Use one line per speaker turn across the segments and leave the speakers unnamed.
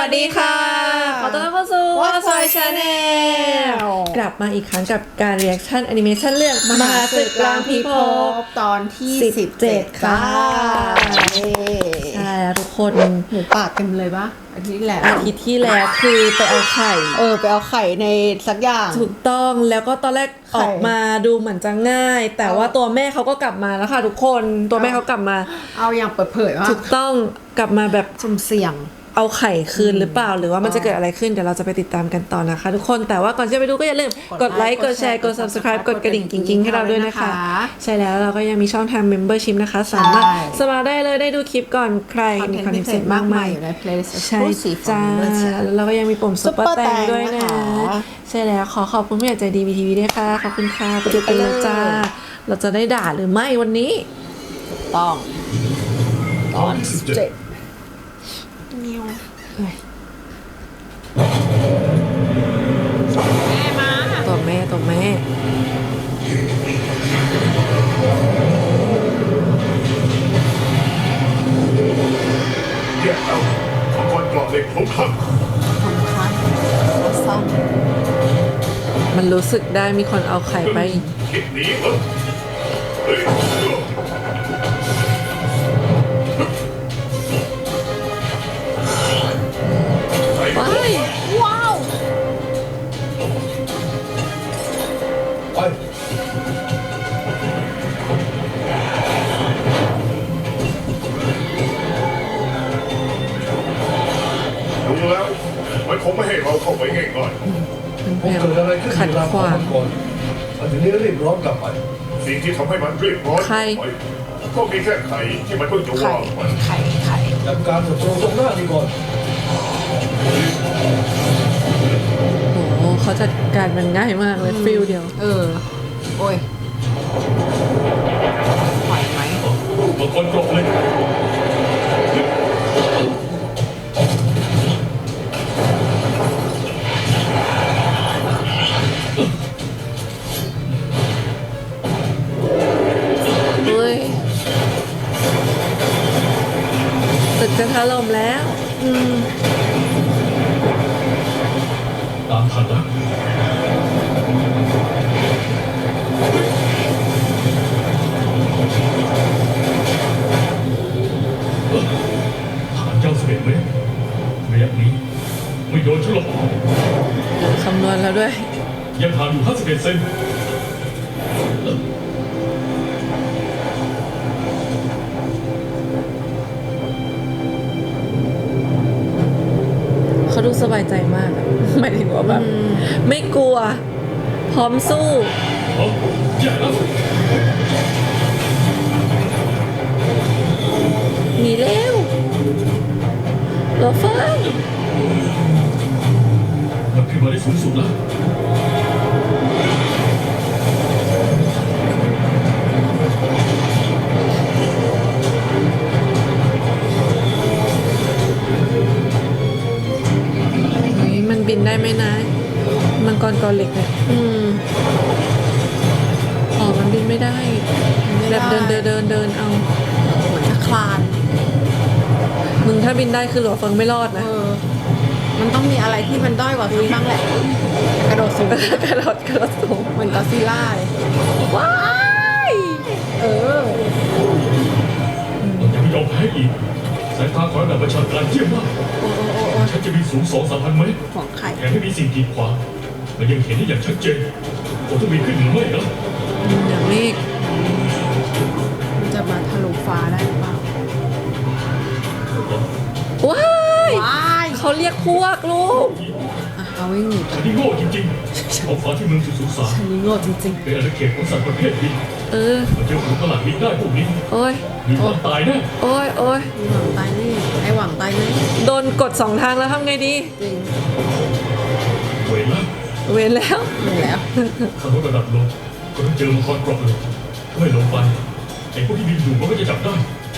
สดีค่ะขอต้อนรับเข้าสู่
What's My Channel
กลับมาอีกครั้งกับการรีแอคชั่นแอนิเมชันเรื่องมหาศึกล้างพิภพ
ตอนที่
17 ค่ะ ใช่แล้วทุกคน
หมูป่าเต็มเลยปะอาทิตย์ที่แล้ว
อาทิตย์ที่แล้วคือไปเอาไข่
ไปเอาไข่ในสักอย่าง
ถูกต้องแล้วก็ตอนแรก
ไข่
ออกมาดูเหมือนจะง่าย แต่ว่าตัวแม่เขาก็กลับมาแล้วค่ะทุกคนตัวแม่เขากลับมา
เอาอย่างเปิดเผยว่า
ถูกต้องกลับมาแบบ
สุ่มเสี่ยง
เอาไข่คืนหรือเปล่าหรือว่ามันจะเกิดอะไรขึ้นเดี๋ยวเราจะไปติดตามกันต่อนะคะทุกคนแต่ว่าก่อนจะไปดูก็อย่าลืมกดไลค์กดแชร์กด subscribe กดกระดิ่งกิ๊งๆให้เราด้วยนะคะ ใช่แล้วเราก็ยังมีช่องทาง membership นะคะสามารถสมัครได้เลยได้ดูคลิปก่อนใครมีคอนเทนต์พิเศษมากมาย
อยู่ใน playlist
ใช่จ้าแล้วเราก็ยังมีปุ่มซุปเปอร์แตงด้วยนะใช่แล้วขอขอบคุณผู้ใหญ่ใจดี VTV ด้วยค่ะขอบคุณค่ะไปดูกันเลยจ้าเราจะได้ด่าหรือไม่วันนี้
ต้องตอน17
นิวตัวแม่
แย่แล้วมังกรเกราะเหล็กของข้า
ซ่อม
มันรู้สึกได้มีคนเอาไข่ไป
คิดหนีเหรอเฮ้ย
ว้าย
ว้าว
ไปดูแล้วมันคงไม่ให้เราเข้าไปง่าย
พยายามขัดขวาง
มาถึงนี้รีบร้อนกลับไป
ๆสิ่งที่ทำให้มันเรียบร้อย
ใคร
ไปก็มีแค่ไข่ที่มันเพิ่งจะ
ไข่
ว่างไป
ไข่ไข่
จัดการศัตรูตรงหน้านี่ก่อน
โอ้โหเขาจัดการมันง่ายมากเลยฟิลเดียว
โอ้ยไหวไหม
มังกรเกราะเหล็ก
เฮ้ยตึกจะถล่มแล้ว
ตามทันนะฐานเจ้า11 เมตรระยะนี้ไม่โดนฉันหรอก
คำนวณแล้วด้วย
ยังห่างอยู่51 เซน
เขาดูสบายใจมากอะหมายถึงว่าแบบไม่กลัว พร้อมสู้
เอาแย่แล้ว
หนีเร็วรถไฟ
มันขึ้นมาได้สูงสุดแล้ว
เฮ้ยมันบินได้ไหมนะมังกรกอเหล็กเนี่ยอ๋อมันบินไม่ได้แบบเดินเอา
เหมือนจะคลาน
มึงถ้าบินได้คือหลัวเฟิงไม่รอดนะ
มันต้องมีอะไรที่มันด้อยกว่านี้บ้างแหละ กระโดดสูง
กระโดดสูง
เหมือนกอซิลล่าเลย
ว้าย
มันยังไม่ยอมแพ้อีกสายตาของระดับประชาการเยี่ยมมาก
โอ้โอ้โอ้โอ้
ฉันจะมีสูง2-3,000 เมตร
ห่วงไข่
แถมไม่มีสิ่งกีดขวางมันยังเห็นได้อย่างชัดเจนผมต้องมีขึ้นหรือไม่นะ
อย่างเมฆ
มันจะมาทะลุฟ้าได้หรือเปล่า
ว้าย
ว้าย
เขาเรียกพวกลูก
เอาวิ่งหนีไป
ฉันนี่โง่จริงๆท้องฟ้าที่เมืองสุสาน
อันนี้โง่จริง
เป็นอาณาเขตของสัตว์ประเภทบิน
เออ
มันเจอฝูงตลาดบินได้พวกนี้
โอ้ย
มีวันตายแน่
โอ้ย
ๆมีหวังตายแนี่ไอหวังตายแนี่
โดนกดสองทางแล้วทำไงดี
จริง
เวรแล้ว
เว้นแล้ว
หนึ่งแล้ว
ถ้าลดระดับลงก็ต้องเจอมังกรเกราะเลยถ้าไม่ลงไปไอ้พวกที่บินอยู่มันก็จะจับได้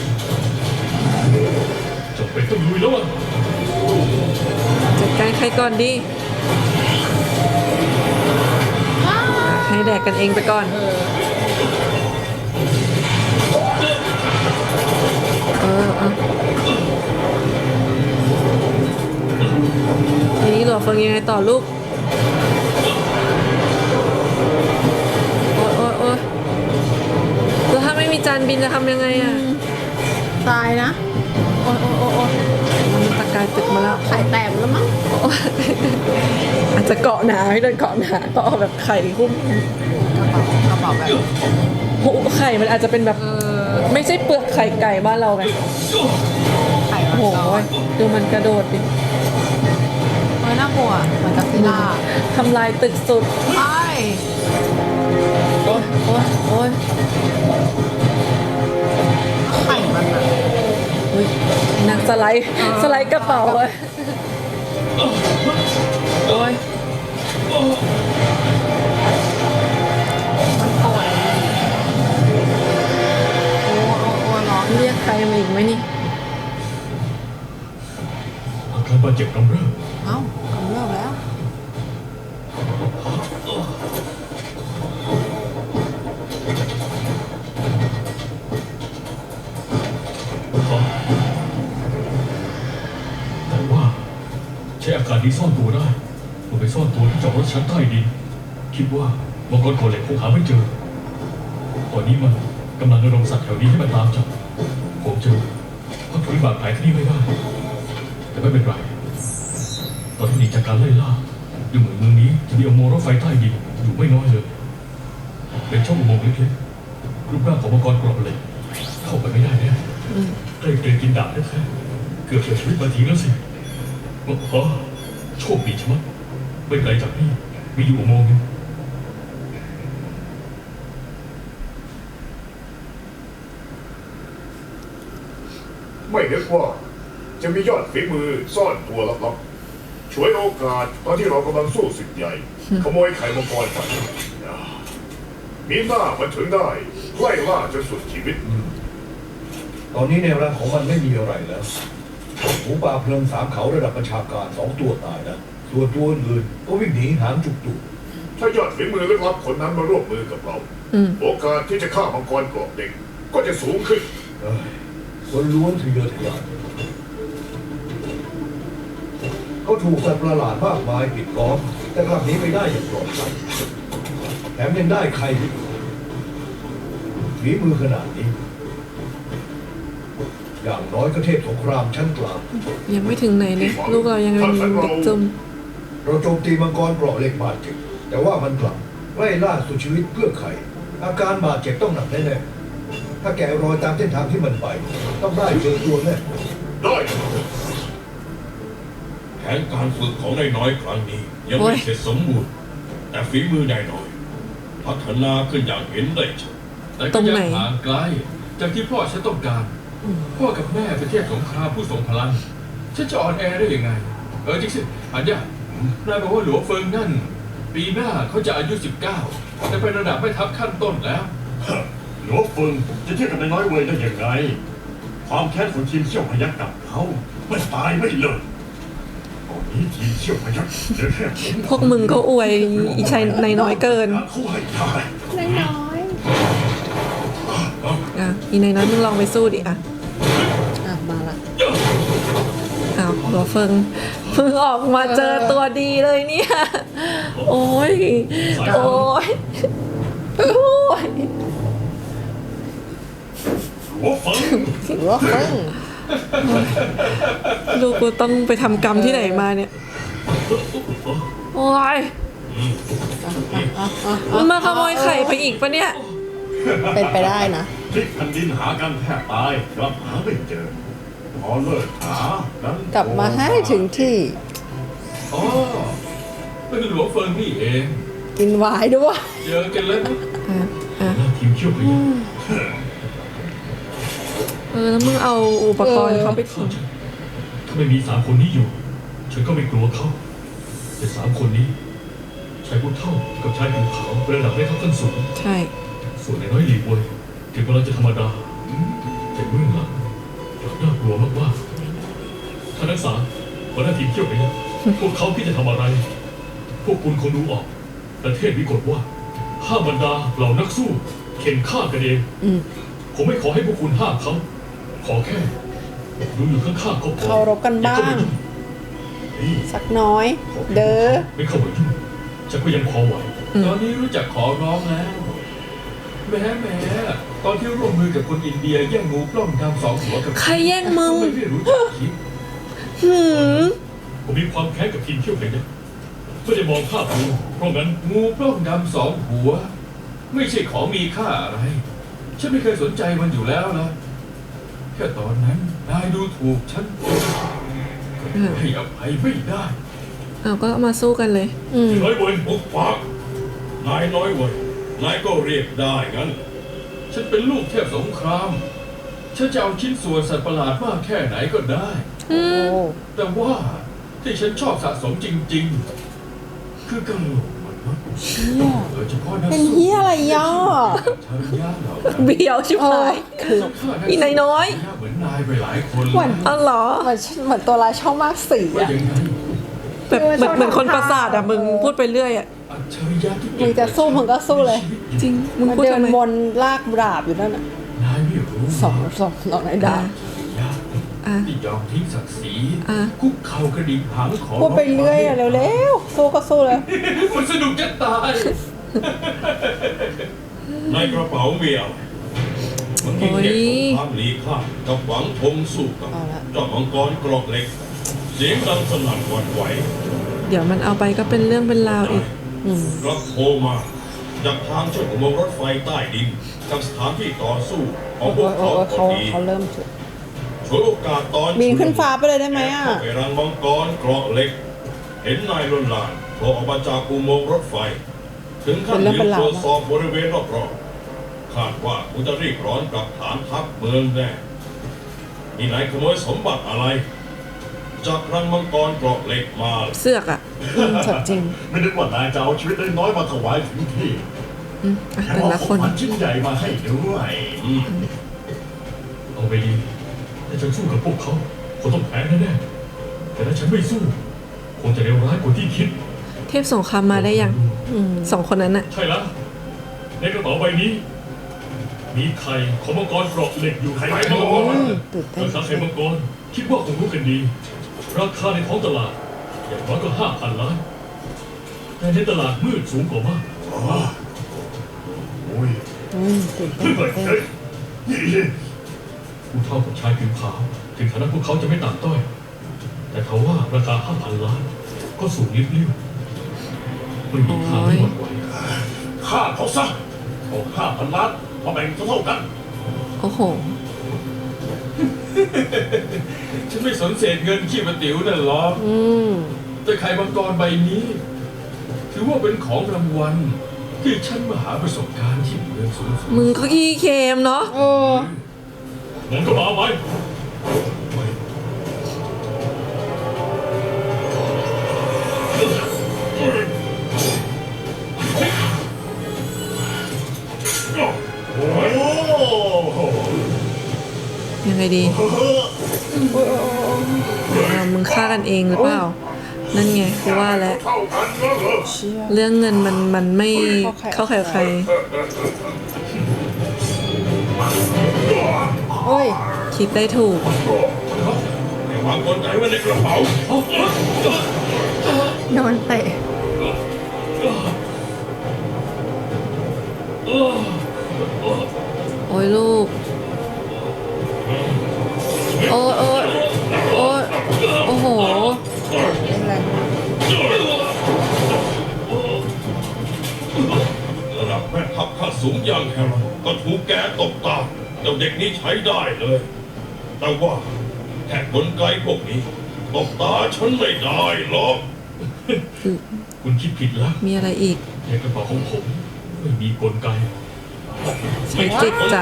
จบเป็นต้องลุยแล้วอ่ะ
จัดการใครก่อนดี ให้แดกกันเองไปก่อน เอาต่อลูกโอ๊ยโอ๊ยโอ๊ยแล้วถ้าไม่มีจานบินจะทำยังไงอ่ะ
ตายนะ โอ้ยโอ้ยโอ้ยโอ้ย
มันตะกายตึกมาแล้ว
ไข่แตกหมดแล้วมั้ง
โอ๊ยอาจจะเกาะหนาให้เดินเกาะหนาก็เอาแบบไข่หุ้ม
กระเป๋าแบบ
โอ้ไข่มันอาจจะเป็นแบบไม่ใช่เปลือกไข่ไก่บ้านเราไง
ไข่
โอ้
มัน
โห
ก่อน
ดูมันกระโดดดิ
เฮ้ยน่ากลัวเหมือนกับซิล่า
ทำลายตึกสุด
ไป
โอ๊ยโอ๊ยโอ๊ย
ไข่มันอะ
อุ๊ยนักสไลด์สไลด์กระเป๋าเว้ยโอ๊ย
มันป่วยโอ้โอ้โอ้ร้อน
เรียกใครมาอีกไหมนี่
อาการบาดเจ็บกำเริบ
เอ้ากำเริบแล้ว
แต่ว่าใช้อากาศนี้ซ่อนตัวได้มันไปซ่อนตัวที่จอดรถชั้นใต้ดินคิดว่ามังกรโกเหล็กคงหาไม่เจอตอนนี้มันกำลังระดมสัตว์แถวนี้ให้มันตามจับผมเจอพักฟื้นบาดแผลที่นี่ไม่ได้ แต่ไม่เป็นไรตอนที่หนีจากการไล่ล่าดูเหมือนเมืองนี้จะมีอุโมงค์รถไฟใต้ดินอยู่ไม่น้อยเลยเป็นช่องอุโมงค์เล็กๆรูปร่างของมังกรเกราะเหล็กเข้าไปไม่ได้แน่ใกล้เกินกินดาบแท้ๆเกือบเสียชีวิตมาทีแล้วสิอ๋อโชคดีชะมัดไม่ไกลจากนี่มีอยู่อุโมงค์นึง
ไม่นึกว่าจะมียอดฝีมือซ่อนตัวลับๆฉวยโอกาสตอนที่เรากำลังสู้ศึกใหญ่ ขโมยไข่มังกรไปมีหน้ามันถึงได้ไล่ล่าจนสุดชีวิต
ตอนนี้แนวร่างของมันไม่มีอะไรแล้วหมูป่าเพลิงสามเขาระดับประชาการ2 ตัวตายนะส่วนตัวอื่นก็วิ่งหนีหางจุกตุก
ถ้ายอดฝีมือลึกลับคนนั้นมาร่วมมือกับเรา โอกาสที่จะฆ่ามังกรกรอบเด็กก็จะสูงขึ้น
คนล้วนทะเยอทะยานเขาถูกสัตว์ประหลาดมากมายปิดล้อมแต่กลับหนีไปได้อย่างปลอดภัยแถมยังได้ใครอีกฝีมือขนาดนี้ อย่างน้อยก็เทพสงครามชั้นกลาง
ยังไม่ถึงไหนเลยลูกเรายังเป็นเด็กจุ่ม
เราโจมตีมังกรเปราะเหล็กบาดเจ็บแต่ว่ามันกลับไล่ล่าสุดชีวิตเพื่อไข่อาการบาดเจ็บต้องหนักแน่ๆถ้าแกะรอยตามเส้นทางที่มันไป ต้องได้เจอตัวแน่
ได้
แผนการฝึกของนายน้อยครั้งนี้ ยังไม่เสร็จสมบูรณ์แต่ฝีมือนายน้อย พัฒนาขึ้นอย่างเห็นได้ชัด
แต่ก็ยังห่างไกลจากที่พ่อฉันต้องการพ่อกับแม่เป็นเทพสงครามผู้ทรงพลังฉันจะอ่อนแอได้ยังไงจริงสิอันยานายบอกว่าหลวงเฟิงนั่นปีหน้าเขาจะอายุ19แต่เป็นระดับไม่ทัพขั้นต้นแล้ว
หลวงเฟิงจะเทียบกับนายน้อยเวยได้ยังไงความแค้นของทีมเชี่ยวพยักกับเขาไม่ตายไม่เลิกตอนนี้ทีมเชี่ยวพยักเหลือแค่ผม
พวกมึงก็อวยอีชัยในน้อยเกิน
เขาให้ได้
น้อย
อ่ะอีในน้อยมึงลองไปสู้ดิอ่ะ
อ่ะมาละ
อ้าวหัวเฟิงมึงออกมาเจอตัวดีเลยเนี่ย โอ้ยโอ้ยโอ้ย
หัวเฟิง
ถือว่าเฟิ่ง
ลูกกูต้องไปทำกรรมที่ไหนมาเนี่ย โอ้ยมึงมาขโมยไข่ไปอีกปะเนี่ย
เป็นไปได้นะ
พลิกแผ่นดินหากันแทบตายกลับหาไม่เจอพอเลิกหานั้น
กลับมาให้ถึงที่
อ๋อเป็นหลวงเฟิงนี่เอง
กินไวายด้วย
เจอกันแล้ว
หน้าทีมเชี่ยวพยัก
แล้วมึงเอาอุปกรณ์เขาไปทิ้ง
ถ้าไม่มี3 คนนี้อยู่ ฉันก็ไม่กลัวเขาแต่3 คนนี้ชายผู้เท่ากับชายผิวขาวเป็นระดับไม่เท่ากันสูง
ใช่
ส่วนในน้อยหลีเวยถึงกำลังจะธรรมดาแต่เบื้องหลังกลับน่ากลัวมากๆท่านนักษาหัวหน้าทีมเที่ยวไปนะพวกเขาคิดจะทำอะไร พวกคุณคงดูออกประเทศวิกฤตว่าห้ามบรรดาเหล่านักสู้เข็นฆ่ากันเองผมไม่ขอให้พวกคุณห้ามเขาขอแค่ดูอยู่ข้างๆก็พอ
เคารพกันบ้าง
อย่เข้มยุ่
สักน้อย เด้อ
ไม่เข้าไปยุ่งฉันก็ยังพอไหว
ตอนนี้รู้จักขอร้องแล้วแหม้ตอนที่ร่วมมือกับคนอินเดียแย่งงูปล้องดำ2 หัวกับ
ใครแย่งมึง
ไม่รู้จักคิด
ผมมีความแค้นกับทีมเที่ยวกันยักษ์ไม่ได้มองภาพรวมเพราะงั้น
งูปล้องดำ2 หัว ไม่ใช่ของมีค่าอะไร ฉันไม่เคยสนใจมันอยู่แล้วนะแค่ตอนนั้นนายดูถูกฉันให้อภัยไม่ได้
เอาก็มาสู้กันเลย
น้อยเว้ย
ปุกปากนายน้อยเว้ยนายก็เรียกได้งั้น
ฉันเป็นลูกเทพสงคราม ฉันจะเอาชิ้นส่วนสัตว์ประหลาดมากแค่ไหนก็ได้
โอ้
แต่ว่าที่ฉันชอบสะสมจริงๆ คือกระโหลกมนุษย์
เชี่ย
โดยเฉพาะนัก
เป็น
สู้
เฮียอะไรย่อ
ชาริยะเหล่านั้น
เบียวชิบหาย อีนายน้อย
เหมือนนายไปหลายคน
เหมือน
อ๋อเหรอ
เหมือนตัวร้ายช่องมากสี
ว่า
อะ
ยังไง
แบบเหมือนคนประสาทอะมึงพูดไปเรื่อยอะ
อัจฉริยะที่
มึงจะสู้มึงก็สู้เลย
จริง มึง
มัน
พูด
เดิ
ทำ
น
ไม
วนลากดาบอยู่นั่นน่ะ
นายไม่รู้
สองในดาบ
ยะ
อ่ะ
ที่ยอมทิ้งศักดิ์ศรี
อ่ะ
คุกเข่ากระดิ่งหางขอ
พูดไปเรื่อยอะเร็วๆสู้ก็สู้เลย
มันสนุกจะตาย
ในกระเป๋ามีอะไรมันมีเทพสงครามหลีข้ามกับหวังธงสู้กับ
เอาละ
เจ้ามังกรกรอกเหล็ก เสียงดังสนั่นหวั่นไหว
เดี๋ยวมันเอาไปก็เป็นเรื่องเป็นราวอีก
รับโทรมาจากทางช่วยอุโมงค์รถไฟใต้ดินจากสถานที่ต่อสู้ของพวกเขาพอดี
เขาเริ่มจุด
ฉวยโอกาสตอน
บินขึ้นฟ้าไปเลยได้ไหมอ่ะ
เข้าไปรังมังกรเกราะเหล็ก เห็นนายลนลานโผล่ออกมาจากอุโมงค์รถไฟ ถึงขั้น
เป็นเรื่อง
ยื
เป็น
น
ราว
ตรวจสอบบริเวณรอบๆคาดว่าคุณจะรีบร้อนกลับฐานทัพเมืองแน่นี่นายขโมยสมบัติอะไร จากรังมังกรเกราะเหล็กมา
เสือกอะ
สดจริง
ไม่นึกว่านายจะเอาชีวิตน้อยๆมาถวายถึงที่
อ่ะ
แถม
แต่
เอา
ละ
ข
ค
อง
น
ขวัญชิ้นใหญ่มาให้ด้วย
เอาไปดีถ้าฉันสู้กับพวกเขาคงต้องแพ้แน่ๆแต่ถ้าฉันไม่สู้คงจะเลวร้ายกว่าที่คิด
เทพสงครามมาได้ยัง2 คนนั้นอะ
ใช่แล้วในกระเป๋าใบนี้ มีไข่ของมังกรเกราะเหล็กอยู่ไข่มังกร
ตื่นเต้น
ราคาไข่มังกรคิดว่าคงรู้กันดี ราคาในท้องตลาด อย่างน้อยก็ 5,000 ล้าน แต่ในตลาดมืดสูงกว่ามาก
โอ้ย
ตื่นเต้นตื่นเต้น
เฮ้ยนี่
ผู้เท่ากับชายผิวขาวถึงฐานะพวกเขาจะไม่ต่ำต้อย แต่ทว่าราคา 5,000 ล้าน ก็สูงลิบลิ่วไม่มีทางที่หวั่นไหว
ฆ่าเขาซะเอา5,000 ล้านมาแบ่งเท่าๆกัน
โอ้โห
ฉันไม่สนเศษเงินขี้ประติ๋วนั่นหรอกแต่ไข่มังกรใบนี้ ถือว่าเป็นของรางวัลที่ฉันมาหาประสบการณ์ที่เมืองสูงสุด
มึงก็ขี้เค็มเนาะ
เออ
งั้นก็มาเอาไป
โอ้โห
ยังไงดีมึงฆ่ากันเองหรือเปล่า นั่นไงคือว่าแล้ว
เท่ากันแล้วเหรอ
เชี่ย
เรื่องเงินมันไม่เข้าใครกับใคร
โอ้ย
คิดได้ถูก
ให้วางกลไกไว้ในกระเป๋า
โดนเตะ
โอ้ยลูก โอ้ยโอ้ยโอ้ยโอ้โห
เป็นไร
ระดับแม่ทัพข้าสูงอย่างแฮร์รอนก็ถูกแกตบตาเจ้าเด็กนี้ใช้ได้เลย แต่ว่าแค่กลไกพวกนี้ตบตาฉันไม่ได้หรอก
คุณคิดผิดแล้ว
มีอะไรอีก
ในกระเป๋าของผมไม่มีกลไก
ใช้จิตจ้ะ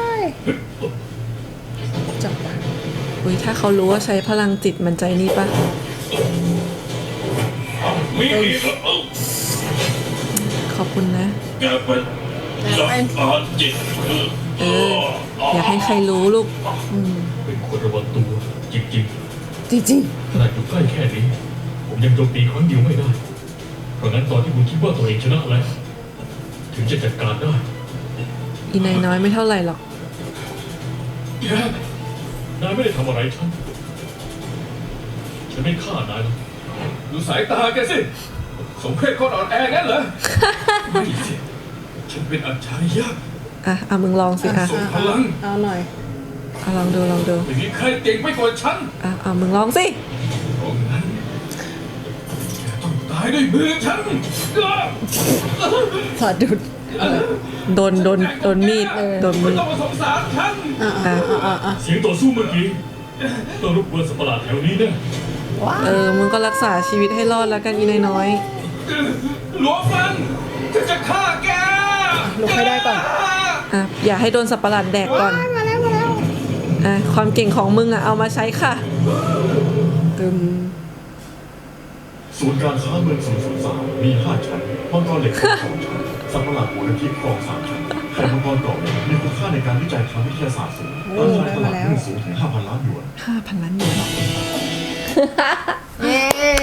จับได้
อุ้ยถ้าเขารู้ว่าใช้พลังจิตมันใจนี่ปะ
มีอีกแล้ว
ขอบคุณนะ
แกเป็นหลักการจิต
เออ อย่าให้ใครรู้ลูก
เป็นคนระวังตัวจริง
จริง
ๆขนาดอยู่ใกล้แค่นี้ ผมยังโจมตีครั้งเดียวไม่ได้ เพราะงั้นตอนที่คุณคิดว่าตัวเองชนะแล้ว ถึงจะจัดการได้
อีนายน้อยไม่เท่าไหร่หรอก
แกนายไม่ได้ทำอะไรฉัน ฉันไม่ฆ่านายหรอก
ดูสายตาแกสิสมเพศคนอ่อนแองั้นเหรอ ไม่สิฉันเป็นอัจฉริยะ
เอามึงลองสิ
ส่งพลัง
เอาหน่อย
ลองดู
ไม่มีใครเก่งไปกว่าฉัน
เอามึงลองสิ
เพราะงั้นแกต้องตายด้วยมือฉัน
สอดดุด
โดนมีดโดนมี
ไม่
ด
ต้องมาสงสารฉัน
เสียงต่อสู้เมื่อกี้ต้องรบกวนสัตว์ประหลาดแถวนี้แน่
มึงก็รักษาชีวิตให้รอดแล้วกันอีนายน้อย
หลวงฟันฉันจะฆ่าแก
ลุกให้ได้ก่อน
อย่าให้โดนสับประหลาดแดกก่อน
มาแล้ว
ความเก่งของมึงเอามาใช้ค่ะ
ตึม
ศูนย์การค้าเมือง003มี5ชั้นมังกรเหล็ก2ชั้นสัตว์ประหลาดหัวน้ำทิพย์ครอง3ชั้นไข่มังกรกรอบเหล็กมีคุณค่าในการวิจัยทางวิทยาศาสตร์สูงราคาตลาดหุ้นสูงถึง 5,000 ล้านหยวน
5,000 ล้านหยวน
เย้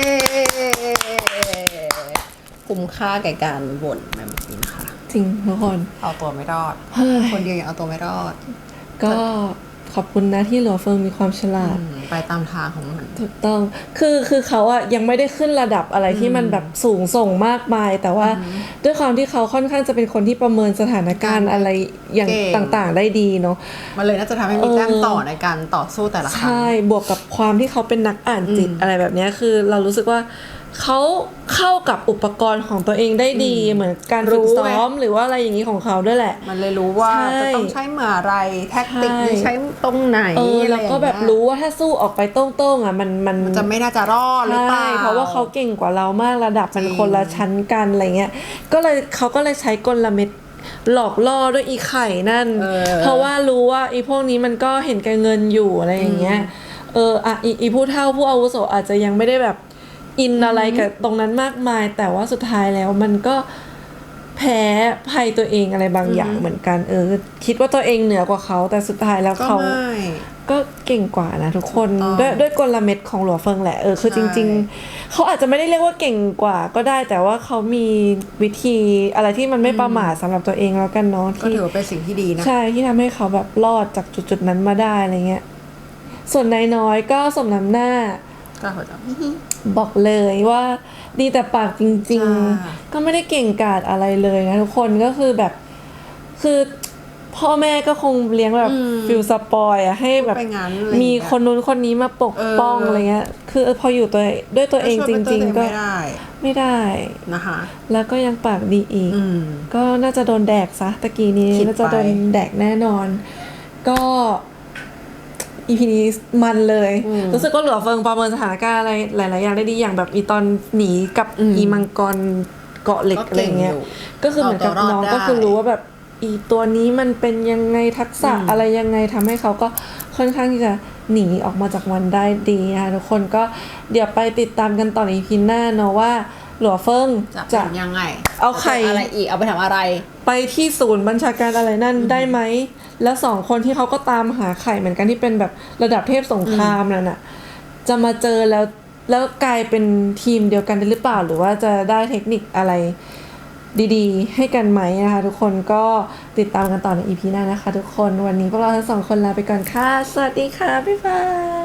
คุ้มค่าแก่การบ่นแบบนี้นะคะ
จริงทุกคน
เอาตัวไม่รอด
เฮ้ย
คนเดียวยังเอาตัวไม่รอด
ก็ขอบคุณนะที่หลัวเฟิงมีความฉลาด
ไปตามทางของมัน
ถูกต้อง คือเขายังไม่ได้ขึ้นระดับอะไรที่มันแบบสูงส่งมากมาย แต่ว่าด้วยความที่เขาค่อนข้างจะเป็นคนที่ประเมินสถานการณ์อะไรอย่าง
เก่ง
ต่างๆได้ดีเนาะ
มันเลยน่าจะทำให้มีแต้มต่อในการต่อสู้แต่ละครั้ง
ใช่ บวกกับความที่เขาเป็นนักอ่านจิตอะไรแบบเนี้ยคือเรารู้สึกว่าเขาเข้ากับอุปกรณ์ของตัวเองได้ดี เหมือนการฝึกซ้อมหรือว่าอะไรอย่างนี้ของเขาด้วยแหละ
มันเลยรู้ว่า
ใช่
จะต้องใช้เมื่อไรแท็กติกนี้ใช้ตรงไหน
แล้วก็แบบรู้ว่าถ้าสู้ออกไปโต้งๆมัน
มันจะไม่น่าจะรอดหรือเปล่า
ใช่เพราะว่าเขาเก่งกว่าเรามากระดับมันคนละชั้นกันอะไรเงี้ยเขาก็เลยใช้กลเม็ดหลอกล่อด้วยอีไข่นั่น เพราะว่ารู้ว่าอีพวกนี้มันก็เห็นแก่เงินอยู่อะไรอย่างเงี้ยอีผู้เฒ่าผู้อาวุโสอาจจะยังไม่ได้แบบอินอะไรกับตรงนั้นมากมาย แต่ว่าสุดท้ายแล้วมันก็แพ้ภัยตัวเองอะไรบางอย่างเหมือนกันคิดว่าตัวเองเหนือกว่าเขาแต่สุดท้ายแล้วเขาก็เก่งกว่านะทุกคนด้วยกลเม็ดของหลัวเฟิงแหละคือจริงๆเขาอาจจะไม่ได้เรียกว่าเก่งกว่าก็ได้แต่ว่าเขามีวิธีอะไรที่มันไม่ประมาทสำหรับตัวเองแล้วกันเนาะ
ก็ถือว่าเป็นสิ่งที่ดีนะ
ใช่ที่ทำให้เขาแบบรอดจากจุดๆนั้นมาได้อะไรเงี้ยส่วนนายน้อยก็สมน้ำหน้าบอกเลยว่าดีแต่ปากจริงๆก็ไม่ได้เก่งกาจอะไรเลยนะทุกคนก็คือแบบคือพ่อแม่ก็คงเลี้ยงแบบฟิลสปอยให้แบบมีคนนู้นคนนี้มาปกป้องอะไรเงี้ยคือพออยู่ด้วยตัวเองจริงๆก็ไม่ได้
นะคะ
แล้วก็ยังปากดีอีกก็น่าจะโดนแดกซะตะกี้นี้น่าจะโดนแดกแน่นอนก็อีพีนี้มันเลยรู้สึกว่าหลัวเฟิงประเมินสถานการณ์อะไรหลายๆอย่างได้ดีอย่างแบบอีตอนหนีกับอีมังกรเกาะเหล็กอะไรเงี้ยก็คือเหมือนกับน้องก็คือรู้ว่าแบบอีตัวนี้มันเป็นยังไงทักษะอะไรยังไงทำให้เขาก็ค่อนข้างที่จะหนีออกมาจากมันได้ดีนะคะทุกคนก็เดี๋ยวไปติดตามกันต่อในอีพีหน้าเนาะว่าหลัวเฟิง
จะยังไง
เอาไข่
อะไรอีกเอาไปทำอะไร
ไปที่ศูนย์บัญชาการอะไรนั่นได้ไหมแล้ว2คนที่เขาก็ตามหาไข่เหมือนกันที่เป็นแบบระดับเทพสงครามนั่นน่ะจะมาเจอแล้วกลายเป็นทีมเดียวกันได้หรือเปล่าหรือว่าจะได้เทคนิคอะไรดีๆให้กันไหมนะคะทุกคนก็ติดตามกันต่อใน EP หน้านะคะทุกคนวันนี้พวกเราทั้ง2คนลาไปก่อนค่ะสวัสดีค่ะบ๊ายบาย